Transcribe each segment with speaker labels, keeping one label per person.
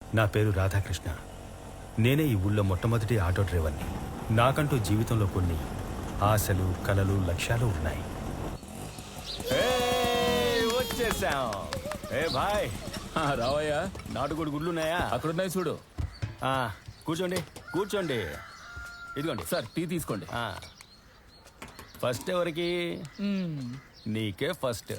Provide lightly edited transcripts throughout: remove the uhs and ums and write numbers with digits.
Speaker 1: నా పేరు రాధాకృష్ణ. నేనే ఈ ఊళ్ళో మొట్టమొదటి ఆటో డ్రైవర్ని. నాకంటూ జీవితంలో కొన్ని ఆశలు, కలలు, లక్ష్యాలు ఉన్నాయి.
Speaker 2: వచ్చేసాం. ఏ భాయ్,
Speaker 3: రావయ్యా.
Speaker 2: నాటుకోడి గుడ్లు ఉన్నాయా?
Speaker 3: అక్కడున్నాయి చూడు.
Speaker 2: కూర్చోండి కూర్చోండి. ఇదిగోండి
Speaker 3: సార్ టీ తీసుకోండి.
Speaker 2: ఫస్ట్ ఎవరికి? నీకే ఫస్ట్.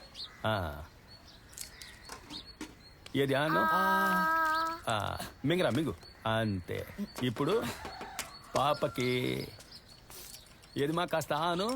Speaker 2: ఏది అను? మింగరా మింగు. అంతే. ఇప్పుడు పాపకి ఏది మా కాస్త ఆను.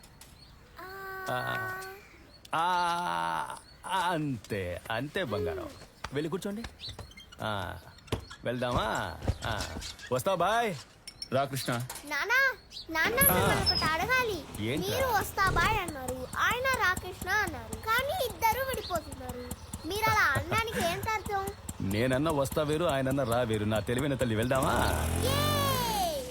Speaker 2: అంతే అంతే బంగారం. వెళ్ళి కూర్చోండి. వెళ్దామా? వస్తావు బాయ్?
Speaker 3: రా కృష్ణ.
Speaker 4: నానా నాన్న మిమ్మల్ని ఒకటి అడగాలి.
Speaker 2: ఏంట్రా?
Speaker 4: మీరు వస్తా బాయ్ అన్నారు, ఆయన రాకృష్ణ అన్నారు, కానీ ఇద్దరు విడిపోతున్నారు. మీరు అలా అనడానికి ఏంటి అర్థం?
Speaker 2: నేనన్నా వస్తా వేరు, ఆయనన్నా రా వేరు. నా తెలివైన తల్లి. వెళ్దామా?
Speaker 4: Yay!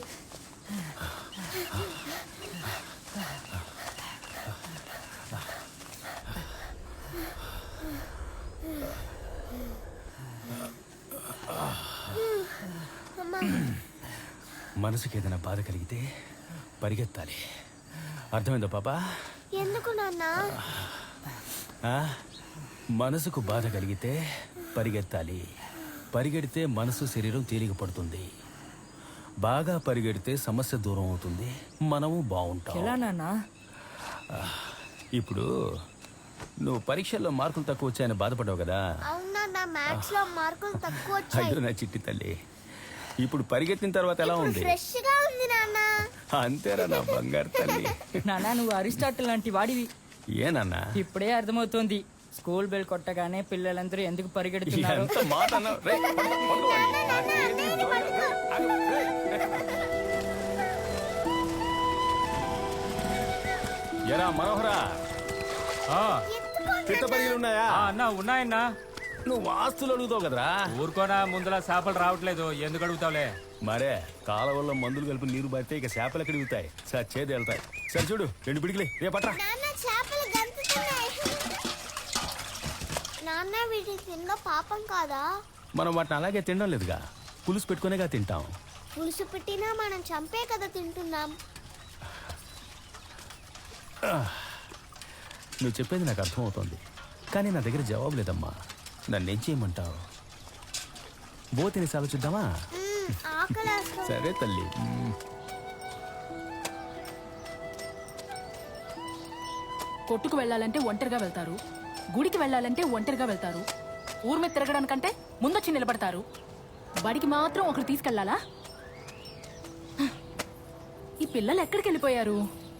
Speaker 4: అమ్మా,
Speaker 2: మనసుకి ఏదైనా బాధ కలిగితే పరిగెత్తాలి. అర్థమైందా పాపా?
Speaker 4: ఎందుకు నాన్న?
Speaker 2: మనసుకు బాధ కలిగితే పరిగెత్తాలి. పరిగెడితే మనసు, శరీరం తేలిక పడుతుంది. బాగా పరిగెడితే సమస్య దూరం అవుతుంది, మనము బాగుంటాం.
Speaker 5: ఎలా నాన్నా?
Speaker 2: ఇప్పుడు నువ్వు పరీక్షల్లో మార్కులు తక్కువ వచ్చాయని బాధపడ్డావు కదా?
Speaker 4: అవునా, నా మ్యాథ్స్ లో మార్కులు తక్కువ వచ్చాయి.
Speaker 2: అయ్యో నా చిట్టి తల్లి, ఇప్పుడు పరిగెత్తిన తర్వాత ఎలా ఉంది?
Speaker 4: ఫ్రెష్ గా ఉంది నాన్న.
Speaker 2: అంతేరా నా బంగారు తల్లి.
Speaker 5: నానా నువ్వు అరిస్టాటిల్ లాంటి వాడివి.
Speaker 2: ఏనన్నా
Speaker 5: ఇప్పుడే అర్థమవుతోంది స్కూల్ బెల్ కొట్టగానే పిల్లలందరూ ఎందుకు పరిగెడుతున్నారు.
Speaker 2: ఎంత మాట అన్నావు? రేయ్, పడుకోవాలి. నాకేది దొరకదు. రేయ్. ఎరా మనోహరా, పిట్ట పరిగెలు ఉన్నాయా?
Speaker 6: అన్నా ఉన్నాయన్నా.
Speaker 2: నువ్వు ఆస్తులు అడుగుతావు కదరా?
Speaker 6: ఊరుకోనా, ముందులా చేపలు రావట్లేదు, ఎందుకు అడుగుతావులే.
Speaker 2: మరే కాలవల్లో మందులు కలిపి నీరు పడితే ఇక చేపలు ఎక్కడ దిగుతాయి? సార్ చేతి వెళ్తాయి. సరే చూడు, 2 పిడికిలే రే పట్రా.
Speaker 4: నాన్న చేపలు గంతుతున్నాయి. నాన్న వీటి తిన్న పాపం కాదా?
Speaker 2: మనం వాటిని అలాగే తినడం లేదుగా, పులుసు పెట్టుకునేగా తింటాం.
Speaker 4: పులుసు పెట్టినా మనం చంపే కదా తింటున్నాం.
Speaker 2: నువ్వు చెప్పేది నాకు అర్థమవుతోంది, కానీ నా దగ్గర జవాబు లేదమ్మా. నన్నేం చేయమంటావు? బో తినేసి ఆలోచిద్దామా?
Speaker 4: ఆకలేస్తుంది.
Speaker 2: సరే తల్లి.
Speaker 7: కొట్టుకు వెళ్ళాలంటే ఒంటరిగా వెళ్తారు, గుడికి వెళ్ళాలంటే ఒంటరిగా వెళ్తారు, ఊరి మీద తిరగడానికంటే ముందొచ్చి నిలబడతారు. బడికి మాత్రం ఒకరు తీసుకెళ్లాలా? ఈ పిల్లలు ఎక్కడికి వెళ్ళిపోయారు?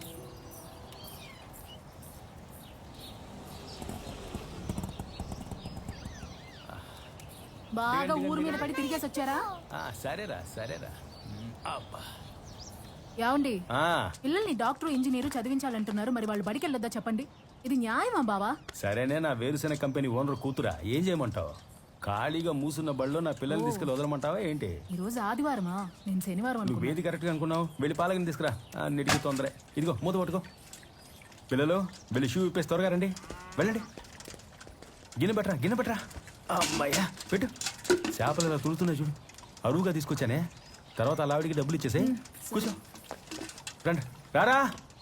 Speaker 7: బాగా ఊరు మీద పడి తిరిగేసి వచ్చారా?
Speaker 2: సరేరా సరేరా. అబ్బా.
Speaker 7: ఏమండి, పిల్లల్ని డాక్టర్, ఇంజనీరు చదివించాలంటున్నారు, మరి వాళ్ళు బడికి వెళ్ళొద్దా చెప్పండి? ఇది న్యాయమా బావా?
Speaker 2: సరేనే, నా వేరుశెనగ కంపెనీ ఓనర్ కూతురా, ఏం చేయమంటావు? ఖాళీగా మూసున్న బడిలో నా పిల్లల్ని తీసుకెళ్ళి వదలమంటావా ఏంటి?
Speaker 7: ఈ రోజు ఆదివారమా? నేను శనివారం
Speaker 2: నువ్వు
Speaker 7: అనుకున్నా.
Speaker 2: ఏది కరెక్ట్గా అనుకున్నావు? వెళ్ళి పాలకని తీసుకురా. అన్నిటికీ తొందరే. ఇదిగో మూత పట్టుకో. పిల్లలు వెళ్ళి షూ ఇప్పేసి త్వరగా రండి. వెళ్ళండి. గిన్నె పెట్టరా. అమ్మాయ్యా పెట్టు. చేపలు ఇలా తులుతున్నాయి చూడు, అరువుగా తీసుకొచ్చానే. తర్వాత అలా ఆవిడికి డబ్బులు ఇచ్చేసే. కూర్చో. రండి రారా.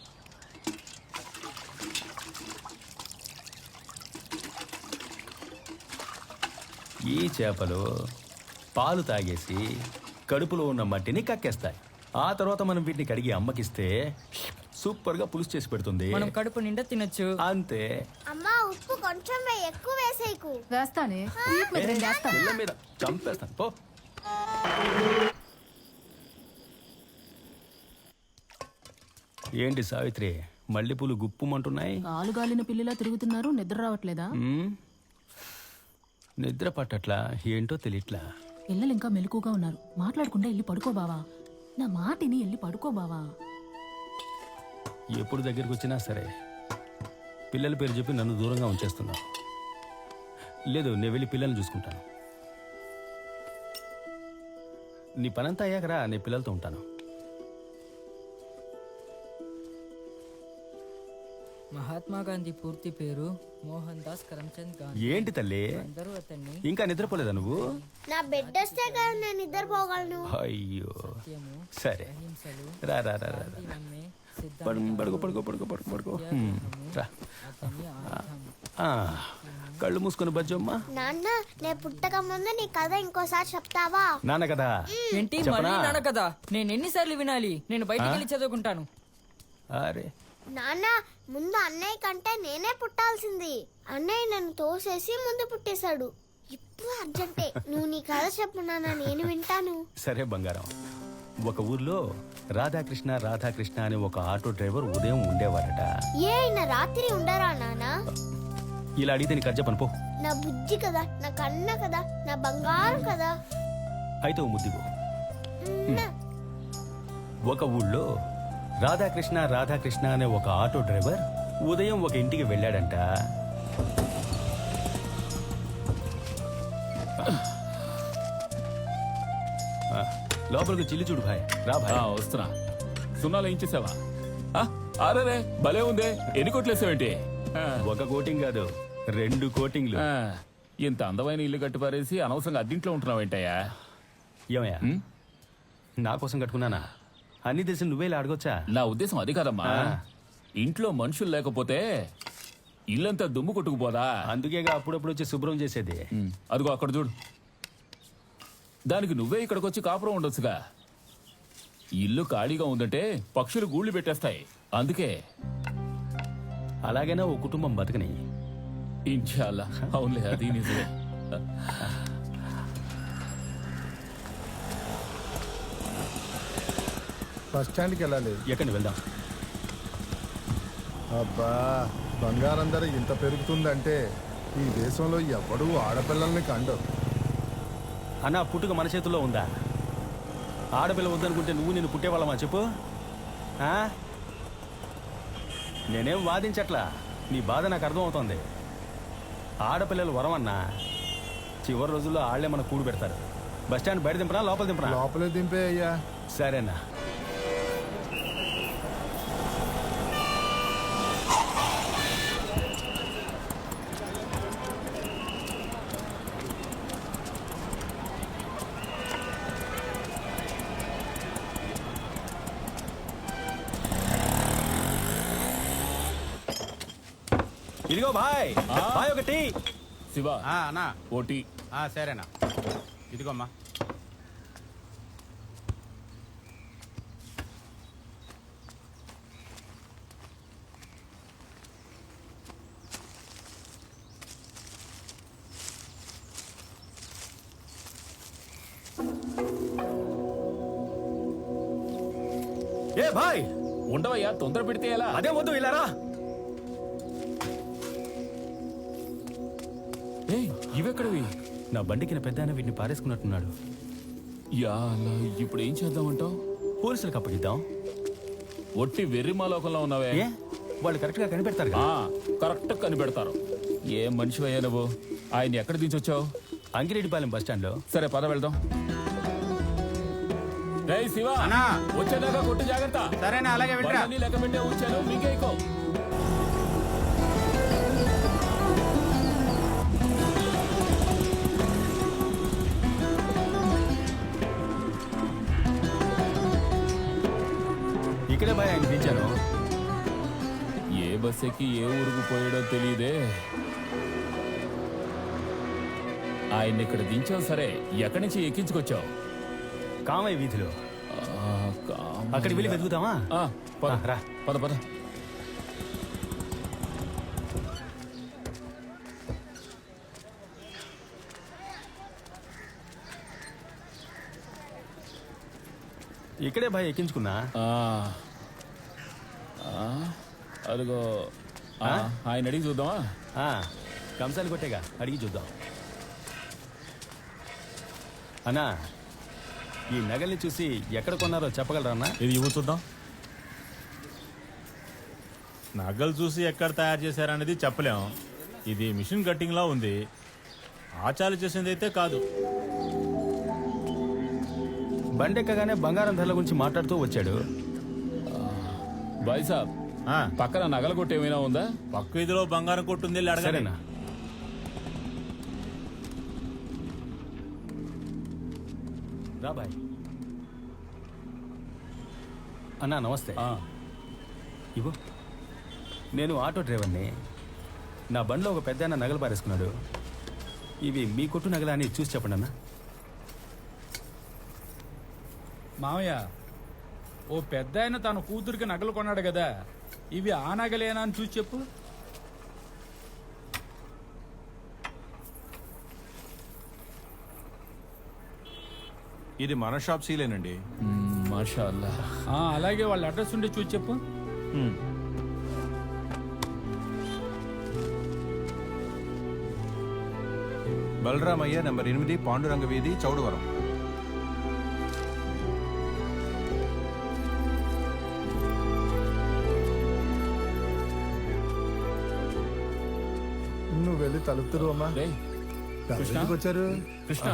Speaker 2: ఈ చేపలు పాలు తాగేసి కడుపులో ఉన్న మట్టిని కక్కేస్తాయి. ఆ తర్వాత మనం వీటిని కడిగి అమ్మకిస్తే సూపర్ గా పులుసు చేసి పెడుతుంది.
Speaker 5: మనం కడుపు నిండా తినొచ్చు.
Speaker 2: అంతే.
Speaker 4: అమ్మా, ఉప్పు కొంచెం ఎక్కువ వేసేయకు.
Speaker 7: వేస్తానే, వీపు మీద రెండు వేస్తాను.
Speaker 2: పిల్ల మీద చంపేస్తాను పో. ఏంటి సావిత్రి, మల్లెపూలు గుప్పుమంటున్నాయి?
Speaker 7: కాలుగాలిన పిల్లిలా తిరుగుతున్నారు, నిద్ర రావట్లేదా?
Speaker 2: నిద్ర పట్టట్లా, ఏంటో తెలియట్లా.
Speaker 7: పిల్లలు ఇంకా మెలకుగా ఉన్నారు, మాట్లాడకుండా వెళ్ళి పడుకో బావా. నా మాటిని వెళ్ళి పడుకో బావా.
Speaker 2: ఎప్పుడు దగ్గరికి వచ్చినా సరే పిల్లల పేరు చెప్పి నన్ను దూరంగా ఉంచేస్తున్నావు. లేదు, నేను వెళ్ళి పిల్లల్ని చూసుకుంటాను. నీ పనంతా అయ్యాకరా, నేను పిల్లలతో ఉంటాను.
Speaker 5: మహాత్మా గాంధీ పూర్తి పేరు మోహన్ దాస్ కరమ్చంద్ గాంధీ.
Speaker 1: ఏంటి తల్లి
Speaker 5: అందరూ అతన్ని
Speaker 1: ఇంకా నిద్రపోలేదా నువ్వు?
Speaker 4: నా బెడ్ వస్తే కదా నేను నిద్రపోగలను.
Speaker 1: అయ్యో
Speaker 5: సత్యము,
Speaker 1: సరే
Speaker 5: అహింసలు,
Speaker 1: రా రా రా రా రా.
Speaker 5: నమ్మే
Speaker 1: పడుకో పడుకో పడుకో పడుకో పడుకో రా.
Speaker 5: అతని ఆయుధం.
Speaker 1: ఆ, కళ్ళు మూసుకొని బజ్జమ్మా.
Speaker 4: నాన్న నేను పుట్టక ముందు నీ కథ ఇంకోసారి చెప్తావా?
Speaker 1: నాన్న కదా
Speaker 5: ఏంటి
Speaker 1: చెప్పనా?
Speaker 5: మళ్ళీ నాన్న కదా? నేను ఎన్నిసార్లు వినాలి? నేను బయటికి వెళ్ళి చదువుకుంటాను.
Speaker 1: అరే
Speaker 4: నాన్న ముందు అన్నయ్య కంటే నేనే పుట్టాల్సింది. అన్నయ్య నన్ను తోసేసి ముందు పుట్టేశాడు. ఇప్పుడు అర్జెంటే నువ్వు నీ కథ చెప్పు నాన్న, నేను వింటాను.
Speaker 1: సరే బంగారం. ఒక ఊర్లో రాధాకృష్ణ రాధాకృష్ణ అనే ఒక ఆటో డ్రైవర్ ఉదయం ఉండేవారట.
Speaker 4: ఏ అయినా రాత్రి ఉండరా నాన్న?
Speaker 1: ఇలా అడిగితే నీకు చెప్పను పో.
Speaker 4: నా బుజ్జి కదా, నా కన్న కదా, నా బంగారం కదా.
Speaker 1: అయితే ఓ ముద్దిగో.
Speaker 4: ఉమ్మ.
Speaker 1: ఒక ఊళ్ళో రాధాకృష్ణ రాధాకృష్ణ అనే ఒక ఆటో డ్రైవర్ ఉదయం ఒక ఇంటికి వెళ్ళాడంట. ఆ, లోపలికి చిల్లి చూడు భాయ్. రా భాయ్.
Speaker 3: వస్తున్నా. సున్నాలు ఏం చేసావా? అరే భలే ఉందే. ఎన్ని కొట్లేసావేంటి?
Speaker 1: ఒక కోటింగ్ కాదు, 2 కోటింగ్లు.
Speaker 3: ఇంత అందమైన ఇల్లు కట్టి పారేసి అనవసరంగా అద్దింట్లో ఉంటున్నావేంటయ్యా?
Speaker 1: ఏమయ్యా, నా కోసం కట్టుకున్నానా? అన్ని తెలిసి నువ్వే ఇలా అడగొచ్చా?
Speaker 3: నా ఉద్దేశం అది కాదమ్మా. ఇంట్లో మనుషులు లేకపోతే ఇల్లంతా దుమ్ము కొట్టుకుపోదా?
Speaker 1: అందుకేగా అప్పుడప్పుడు వచ్చి శుభ్రం చేసేది.
Speaker 3: అదిగో అక్కడ చూడు. దానికి నువ్వే ఇక్కడికి వచ్చి కాపురం ఉండొచ్చుగా. ఇల్లు ఖాళీగా ఉందంటే పక్షులు గూళ్ళు పెట్టేస్తాయి. అందుకే
Speaker 1: అలాగైనా ఓ కుటుంబం బతకని.
Speaker 3: ఇన్షాల్లా. అవునులే, అది నిజమే.
Speaker 8: బస్ స్టాండ్కి వెళ్ళాలి.
Speaker 1: ఎక్కడికి వెళ్దాం?
Speaker 8: అబ్బా, బంగారం ధర ఇంత పెరుగుతుందంటే ఈ దేశంలో ఎవడూ ఆడపిల్లల్ని కండరు.
Speaker 1: అన్న పుట్టుక మన చేతుల్లో ఉందా? ఆడపిల్ల వద్దనుకుంటే నువ్వు నేను పుట్టేవాళ్ళమా చెప్పు? ఆ? నేనేం వాదించట్లా, నీ బాధ నాకు అర్థమవుతోంది. ఆడపిల్లలు వరమన్నా, చివరి రోజుల్లో ఆళ్లే మనకు కూడు పెడతారు. బస్ స్టాండ్ బయట దింపనా లోపల దింపనా?
Speaker 8: లోపలే దింపే అయ్యా.
Speaker 1: సరేనా. ఇదిగో భాయ్, భాయ్ ఒకటి.
Speaker 3: శివ
Speaker 6: అన్నా
Speaker 3: ఓటీ.
Speaker 6: సరేనా, ఇదిగోమ్మా.
Speaker 1: ఏ భాయ్,
Speaker 3: ఉండవయ్యా, తొందర పెడితే ఎలా?
Speaker 1: అదే వద్దు, ఇలా రా.
Speaker 3: ఇవెక్కడవి?
Speaker 1: నా బండికిన పెద్ద ఆయన వీటిని పారేసుకున్నట్టున్నాడు.
Speaker 3: యా అలా, ఇప్పుడు ఏం చేద్దామంటావు?
Speaker 1: పోలీసులకు అప్పగిద్దాం.
Speaker 3: ఒట్టి వెర్రిమాలోకంలో ఉన్నావే.
Speaker 1: ఏ, వాళ్ళు కరెక్ట్ గా కనిపెడతారు.
Speaker 3: కరెక్ట్ కనిపెడతారు. ఏం మనిషివయ్యా నువ్వు? ఆయన ఎక్కడ దించొచ్చావు?
Speaker 1: అంగిరెడ్డిపాలెం బస్ స్టాండ్ లో.
Speaker 3: సరే పద వెళ్దాం. రే శివ,
Speaker 6: అన్నా.
Speaker 3: వచ్చేదాకా కొట్టు జాగ్రత్త.
Speaker 6: సరేనా, అలాగే వెళ్ళరా.
Speaker 3: బండ్లన్నీ లెక్క పెట్టే ఉంచాను, మీకేకో.
Speaker 1: ఇక్కడే భయ ఆయన దించాను.
Speaker 3: ఏ బస్ ఎక్కి ఏ ఊరుకు పోయాడో తెలియదే. ఆయన్ని ఇక్కడ దించావు సరే, ఎక్కడి నుంచి ఎక్కించుకొచ్చావు?
Speaker 1: కామయ్య వీధిలో. అక్కడికి వెళ్ళి వెతుకుతామా?
Speaker 3: పద
Speaker 1: రా.
Speaker 3: పద పద.
Speaker 1: ఇక్కడే భయ ఎక్కించుకున్నా.
Speaker 3: అదిగో ఆయన అడిగి చూద్దామా?
Speaker 1: కంసాలు కొట్టేగా, అడిగి చూద్దాం. అన్నా, ఈ నగల్ని చూసి ఎక్కడ కొన్నారో చెప్పగలరా అన్నా?
Speaker 9: ఇది ఇవ్వు చూద్దాం. నగలు చూసి ఎక్కడ తయారు చేశారనేది చెప్పలేం. ఇది మిషన్ కట్టింగ్లా ఉంది. ఆచార్య చేసింది అయితే కాదు.
Speaker 1: బండెక్కగానే బంగారం ధరల గురించి మాట్లాడుతూ వచ్చాడు.
Speaker 3: బాయ్ సాబ్,
Speaker 9: ఆ,
Speaker 3: పక్కన నగల కొట్టు ఏమైనా ఉందా?
Speaker 9: పక్క వీధిలో బంగారం కొట్టుంది, వెళ్ళి అడగండి.
Speaker 2: సరేనా రా బాయ్. అన్నా నమస్తే. ఇవ్వు. నేను ఆటో డ్రైవర్ని. నా బండిలో ఒక పెద్ద నగలు పారేసుకున్నాడు. ఇవి మీ కొట్టు నగలా అని చూసి చెప్పండి అన్న.
Speaker 10: మామయ్య, ఓ పెద్ద ఆయన తన కూతురికి నగలు కొన్నాడు కదా, ఇవి ఆ నగలేనా అని చూసి చెప్పు.
Speaker 11: ఇది మన షాప్ సీలేనండి.
Speaker 3: మాషా అల్లా.
Speaker 10: అలాగే వాళ్ళ అడ్రస్ ఉండి చూసి చెప్పు.
Speaker 11: బలరామయ్య నంబర్ 8 పాండురంగ వీధి చౌడవరం.
Speaker 8: నువ్వు వెళ్ళి తలుపుతురు అమ్మా.
Speaker 3: రేయ్,
Speaker 8: ఎవరికి వచ్చారు?
Speaker 3: కృష్ణ,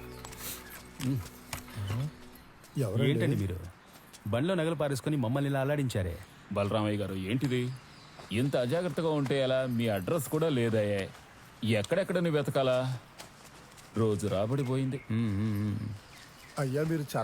Speaker 2: ఏంటండి మీరు బండిలో నగలు పారేసుకొని మమ్మల్ని ఇలా అల్లాడించారే?
Speaker 3: బలరామయ్య గారు ఏంటిది? ఇంత అజాగ్రత్తగా ఉంటే ఎలా? మీ అడ్రస్ కూడా లేదాయే. ఎక్కడెక్కడ నువ్వు వెతకాలా? రోజు రాబడిపోయింది.
Speaker 8: అయ్యా మీరు